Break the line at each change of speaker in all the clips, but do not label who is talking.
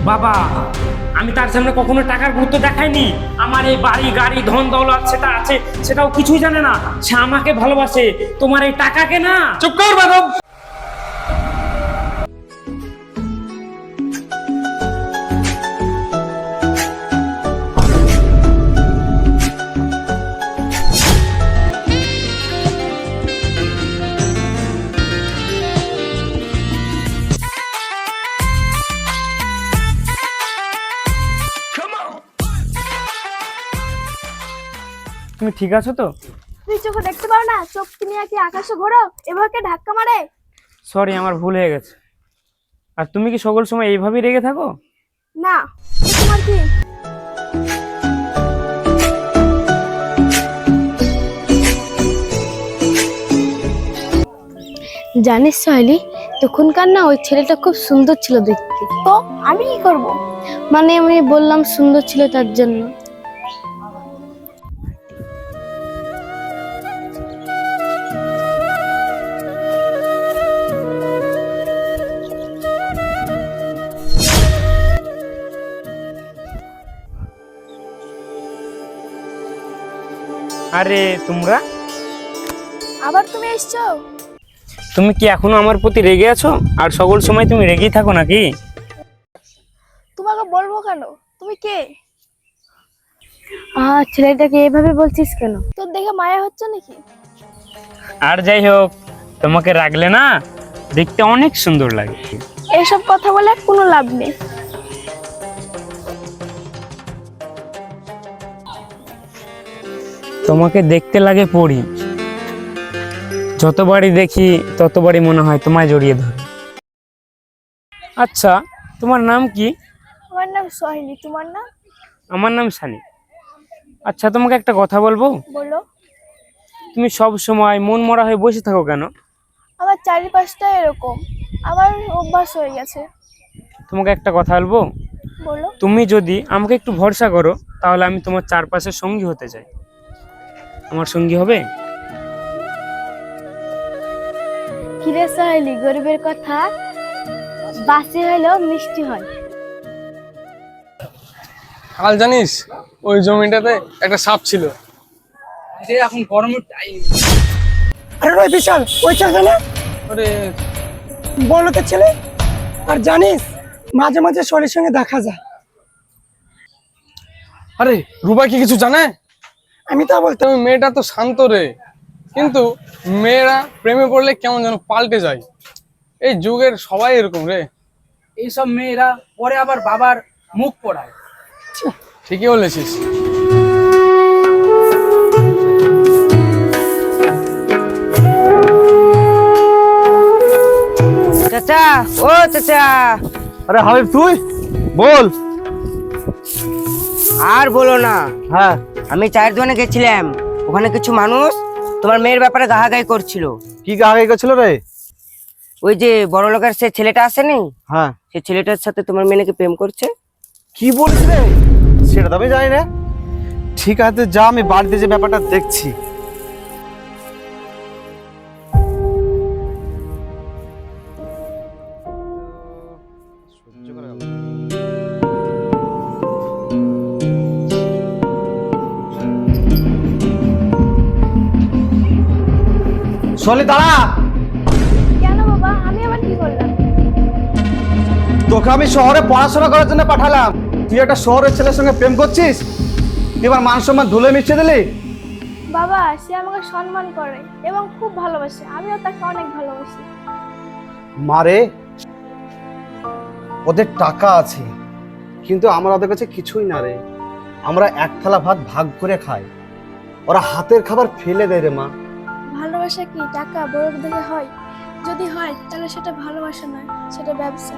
বাবা, আমি তার সামনে কখনো টাকার গুরুত্ব দেখাইনি। আমার এই বাড়ি গাড়ি ধন দৌলত সেটা আছে, সেটাও কিছুই জানে না। সে আমাকে ভালোবাসে, তোমার এই টাকাকে না।
চুপ কর মাধব।
তুমি ঠিক আছো তো?
তুই চোখে দেখতে পাও না? চোখ তুমি কি আকাশে ঘোরো? এভাবে ধাক্কা মারে?
সরি, আমার ভুল হয়ে গেছে। আর তুমি কি সকল সময় এইভাবেই রেগে থাকো?
না, তোমার কি? জানিস সাহেলি, তখনকার না ওই ছেলেটা খুব সুন্দর ছিল দেখতে। তো আমি কি করব? মানে আমি বললাম সুন্দর ছিল তার জন্য।
আরে তোমরা,
আবার তুমি এসছো?
তুমি কি এখনো আমার প্রতি রেগে আছো? আর সকল সময় তুমি রেগেই থাকো নাকি?
তোমাকে বলবো কেন? তুমি কে? ছেলেটাকে এভাবে বলছিস কেন? তোর দেখে মায়া হচ্ছে নাকি?
আর যাই হোক, তোমাকে রাখলে না দেখতে অনেক সুন্দর লাগে।
এসব কথা বলে কোনো লাভ নেই।
তোমাকে দেখতে লাগে পরি, যতবারই দেখি ততবারই মনে হয় তোমায় জড়িয়ে ধরে। আচ্ছা, তোমার নাম কি?
আমার নাম সোহেলি, তোমার নাম?
আমার নাম সানি। আচ্ছা, তোমাকে একটা কথা বলবো?
বলো।
তুমি সব সময় মন মরা হয়ে বসে থাকো কেন?
আমার চারিপাশটা এরকম, আমার অভ্যাস হয়ে গেছে।
তোমাকে একটা কথা বলবো?
বলো।
তুমি যদি আমাকে একটু ভরসা করো, তাহলে আমি তোমার চারপাশের সঙ্গী হতে চাই। আমার সঙ্গী হবে?
কিরে সোহেলি, গরিবের কথা বাসি হলেও মিষ্টি হয়।
কাল জানিস ওই জমিটাতে একটা সাপ ছিল।
এখন গরমের টাইম।
আরে ওই বিশাল, ওই ছেলে না
আরে
বড়লোকের ছেলে। আর জানিস, মাঝে মাঝে শরীর সঙ্গে দেখা যায়।
আরে রুবা কি কিছু জানে?
আমি তা বলতে
তবে মেয়েটা তো শান্ত রে, কিন্তু মেয়েরা প্রেমে পড়লে কেমন যেন পাল্টে যায়। এই যুগের সবাই এরকম রে।
এইসব মেয়েরা পরে আবার বাবার মুখ পোড়ায়।
ঠিকই বলেছিস।
চাচা, ও চাচা।
আরে হাবিব, তুই বল।
আর বলো না,
হ্যাঁ,
আমি চায়ের দোকানে গেছিলাম, ওখানে কিছু মানুষ তোমার মেয়ের ব্যাপারে গাহাগাই করছিল।
কি গায়ে গেছিল রে?
ওই যে বড় লোকের সে ছেলেটা আসেনি,
হ্যাঁ,
সে ছেলেটার সাথে তোমার মেয়ে নাকি প্রেম করছে।
কি বলিস রে? সেটা তো আমি জানি না। ঠিক আছে, যা, আমি বাড়িতে যে ব্যাপারটা দেখছি। সলি, দাঁড়া।
কেন বাবা, আমি আবার কি করলাম?
তোকে আমি শহরে পড়াশোনা করার জন্য পাঠালাম, তুই একটা শহরের ছেলের সঙ্গে প্রেম করছিস? তুই এবার মান সম্মান ধুলে মিশিয়ে দিলি।
বাবা, সে আমাকে সম্মান করে এবং খুব ভালোবাসে, আমিও তাকে অনেক ভালোবাসি।
মারে, ওদের টাকা আছে, কিন্তু আমরা ওদের কাছে কিছুই না রে। আমরা এক থালা ভাত ভাগ করে খাই, ওরা হাতের খাবার ফেলে দেয় রে মা।
ভালোবাসা কি টাকা বড় দেখে হয়? যদি হয় তাহলে সেটা ভালোবাসা নয়, সেটা ব্যবসা।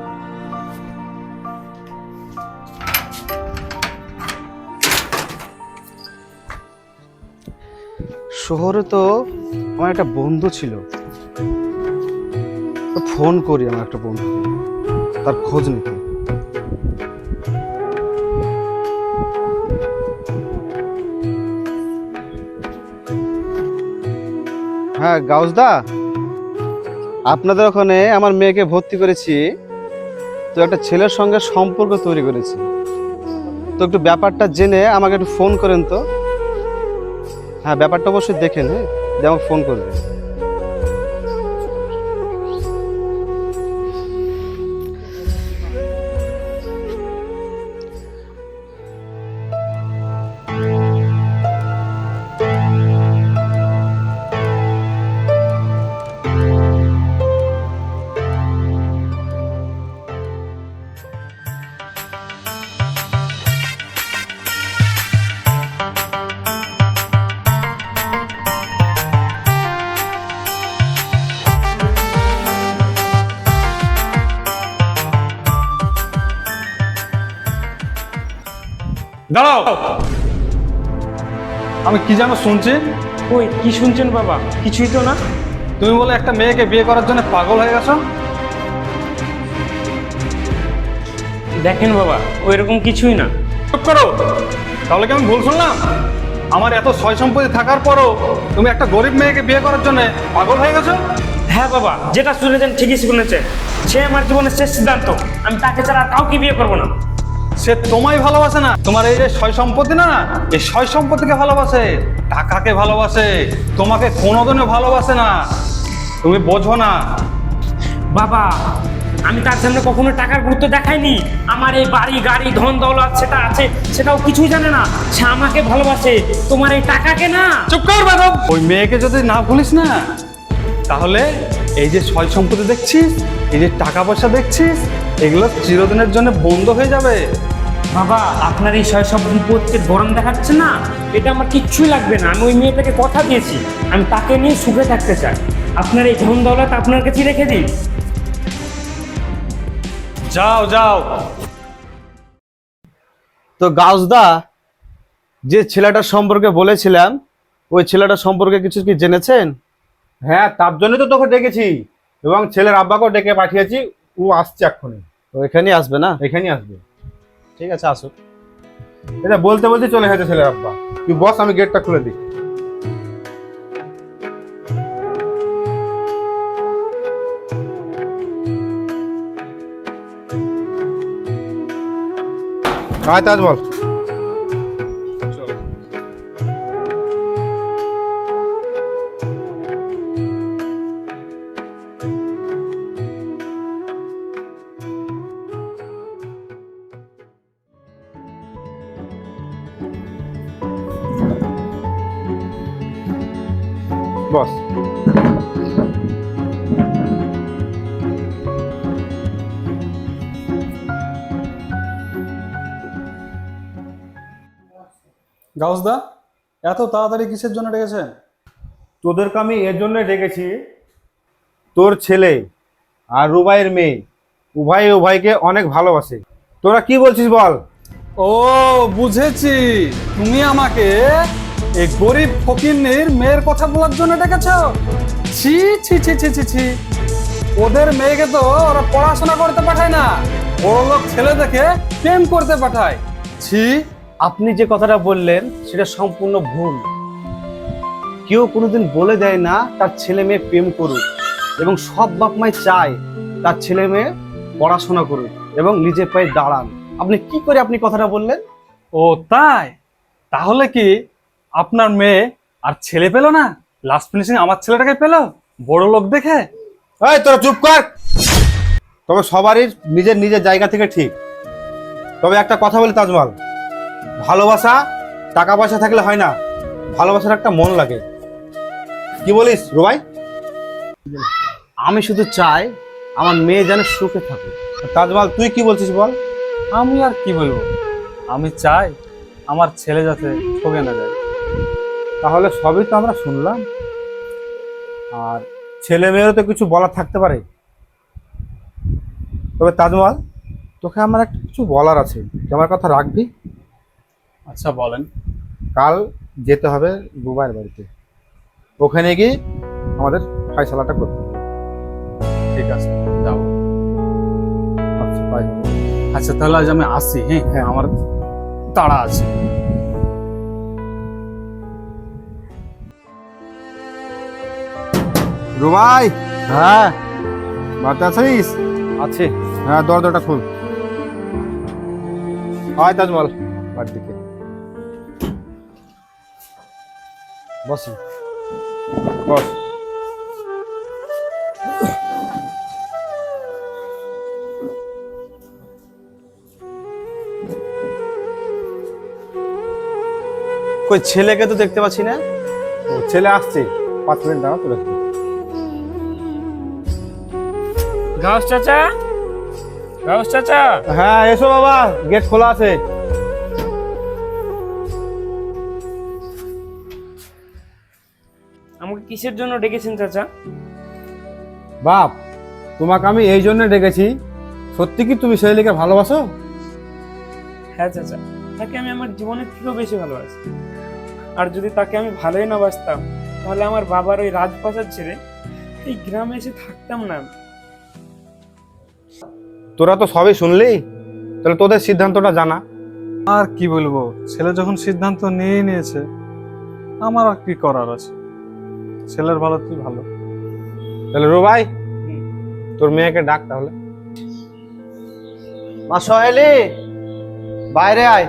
শহরে তো আমার একটা বন্ধু ছিল, তো ফোন করি আমার একটা বন্ধু, তার খোঁজ নিতে। হ্যাঁ গাউসদা, আপনাদের ওখানে আমার মেয়েকে ভর্তি করেছি, তো একটা ছেলের সঙ্গে সম্পর্ক তৈরি করেছি। তো একটু ব্যাপারটা জেনে আমাকে একটু ফোন করেন তো। হ্যাঁ, ব্যাপারটা অবশ্যই দেখেন। হ্যাঁ, দিয়ে আমাকে ফোন করবেন।
দাঁড়াও, আমি কি যেন শুনছি।
ওই কি শুনছেন বাবা? কিছুই তো না।
তুমি বলে একটা মেয়েকে বিয়ে করার জন্য পাগল হয়ে গেছো।
দেখেন বাবা, ওই রকম কিছুই না।
চুপ করো। তাহলে কি আমি ভুল শুনলাম? আমার এত সয় সম্পত্তি থাকার পরও তুমি একটা গরিব মেয়েকে বিয়ে করার জন্য পাগল হয়ে গেছো।
হ্যাঁ বাবা, যেটা শুনেছেন ঠিকই শুনেছেন। সে আমার জীবনের শেষ সিদ্ধান্ত। আমি তাকে ছাড়া আর কাউকে বিয়ে করবো না।
সে তোমায় ভালোবাসে না, তোমার এই যে সয় সম্পত্তি না, এই সয় সম্পত্তিকে ভালোবাসে, টাকাকে ভালোবাসে, তোমাকে কোনোদিনও ভালোবাসে না। তুমি বোঝো না।
বাবা, আমি তার সামনে কখনো টাকার গুরুত্ব দেখাইনি। আমার এই বাড়ি গাড়ি ধন দৌলত সেটা আছে, সেটাও কিছুই জানে না। সে আমাকে ভালোবাসে, তোমার এই টাকাকে না।
চুপ কর বেদব। ওই মেয়েকে যদি না ভুলিস না, তাহলে এই যে সয় সম্পত্তি দেখছিস, এই যে টাকা পয়সা দেখছিস, এগুলো চিরদিনের জন্য বন্ধ হয়ে যাবে।
বাবা, আপনার এই সব সম্পত্তির গরম দেখাচ্ছে না, এটা আমার কিচ্ছুই লাগবে না। আমি ওই মেয়েটাকে কথা দিয়েছি, আমি তাকে নিয়ে সুখে থাকতে চাই। আপনার এই ধন দৌলত আপনার কাছে রেখে দিন।
যাও যাও।
তো গাউসদা, যে ছেলেটার সম্পর্কে বলেছিলাম, ওই ছেলেটার সম্পর্কে কিছু কি জেনেছেন?
হ্যাঁ, তার জন্যই তো তোকে ডেকেছি এবং ছেলের আব্বাকেও ডেকে পাঠিয়েছি। ও আসছে এক্ষুনি,
তো এখানেই আসবে না?
এখানেই আসবে।
ঠিক আছে, আসুক।
এটা বলতে বলতে চলে গেছে ছেলের আব্বা। তুই বস, আমি গেটটা খুলে দিই। আয় তাজ বল। বস।
গাউসদা, এত তাড়াতাড়ি কিসের জন্য ডেকেছেন?
তোদেরকে আমি এর জন্য ডেকেছি, তোর ছেলে আর রুবাইয়ের মেয়ে উভয় উভয়কে অনেক ভালোবাসে। তোরা কি বলছিস বল?
ও, বুঝেছি। তুমি আমাকে এই গরিব ফকিন্নির মেয়ের কথা বলার জন্য ডেকেছো। ছি ছি ছি ছি ছি ছি। ওদের মেয়েকে তো ওরা পড়াশোনা করতে পাঠায় না, বড়লোক ছেলে দেখে প্রেম করতে পাঠায়। ছি।
আপনি যে কথাটা বললেন সেটা সম্পূর্ণ ভুল। কেউ কোনোদিন বলে দেয় না তার ছেলে মেয়ে প্রেম করুক, এবং সব বাপ মাই চায় তার ছেলে মেয়ে পড়াশোনা করুক এবং নিজের পায়ে দাঁড়ান। আপনি কি করে আপনি কথাটা বললেন?
ও তাই? তাহলে কি আপনার মেয়ে আর ছেলে পেল না? লাস্ট ফিনিশিং আমার ছেলেটাকে পেল বড় লোক দেখে।
এই তোরা চুপ কর। তবে সবারই নিজের নিজের জায়গা থেকে ঠিক। তবে একটা কথা বলি তাজমল, ভালোবাসা টাকা পয়সা থাকলে হয় না, ভালোবাসার একটা মন লাগে। কি বলিস রুবাই?
আমি শুধু চাই আমার মেয়ে যেন সুখে থাকে।
তাজমল, তুই কি বলছিস বল?
আমি আর কি বলবো, আমি চাই আমার ছেলে যাতে ঠকে না যায়।
তাহলে সবই তো আমরা শুনলাম, আর ছেলে মেয়েরও তো কিছু বলার থাকতে পারে। তবে তাজমল, তোকে আমার একটা কিছু বলার আছে, তুই আমার কথা রাখবি?
আচ্ছা বলেন।
কাল যেতে হবে রুবাইয়ের বাড়িতে, ওখানে গিয়ে আমাদের ফয়সালাটা করতে হবে।
ঠিক আছে, যাবো।
আচ্ছা, বাই।
আচ্ছা তাহলে আজ আমি আসি। হ্যাঁ হ্যাঁ, আমার তাড়া আছে।
রুবাই,
হ্যাঁ,
বাড়িতে আছিস?
আছে।
হ্যাঁ, দরজাটা খুল। আয় তাজমল, বাড়ির দিকে
বসেন।
বস।
কই ছেলেকে তো দেখতে পাচ্ছি না।
ও, ছেলে আসছে, 5 মিনিট দাঁড়া, তুলে আসবি।
গাউস চাচা, গাউস চাচা,
হ্যাঁ এসো বাবা, গেট খোলা আছে।
আমাকে কিসের জন্য ডেকেছেন চাচা?
বাপ, তোমাকে আমি এই জন্য ডেকেছি, সত্যি কি তুমি ছেলেকে ভালোবাসো?
হ্যাঁ চাচা, তাকে আমি আমার জীবনের থেকেও বেশি ভালোবাসি। আর যদি তাকে আমি ভালোই না বাসতাম, তাহলে আমার বাবার ওই রাজপ্রাসাদ ছেড়ে এই গ্রামে এসে থাকতাম না আমি।
তোরা তো সবই শুনলি, তাহলে তোদের সিদ্ধান্তটা জানা।
আর কি বলবো, ছেলে যখন সিদ্ধান্ত নিয়ে নিয়েছে, আমার আর কি করার আছে? ছেলের ভালো তুই ভালো।
তাহলে রুবাই, তোর মেয়েকে ডাক তাহলে।
মা সোহেলি, বাইরে আয়।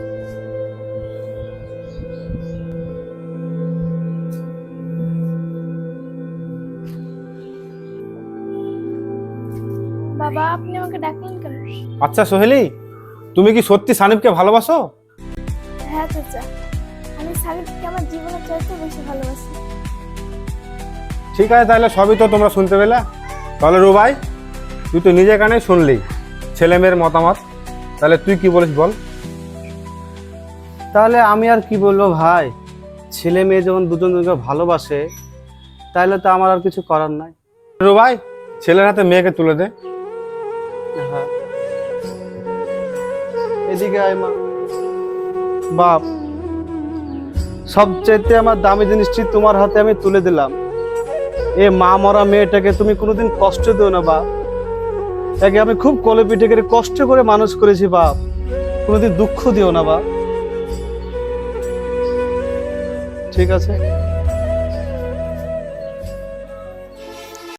বাবা, আপনি আমাকে ডাকলেন কেন?
আচ্ছা সোহেলি, তুমি কি সত্যি সানিবকে ভালোবাসো?
হ্যাঁ চাচা, আমি সালিমকে আমার জীবনের চাইতে বেশি ভালোবাসি।
ঠিক আছে, তাহলে সবই তো তোমরা শুনতে পেলে। তাহলে রুবাই, তুই তো নিজে কানে শুনলি ছেলে মেয়ের মতামত, তাহলে তুই কি বলিস বল।
তাহলে আমি আর কি বলবো ভাই, ছেলে মেয়ে যখন দুজন দুজনকে ভালোবাসে, তাহলে তো আমার আর কিছু করার নাই।
রুবাই, ছেলের হাতে মেয়েকে তুলে দে।
হ্যাঁ, এদিকে আয় মা। বাপ, সবচেয়ে আমার দামি জিনিসটি তোমার হাতে আমি তুলে দিলাম। এ মা মরা মেয়েটাকে তুমি কোনোদিন কষ্ট দিও না বাপ। একে আমি খুব কলে পিঠে করে কষ্ট করে মানুষ করেছি বাপ, কোনোদিন দুঃখ দিও না বাপ। ঠিক আছে?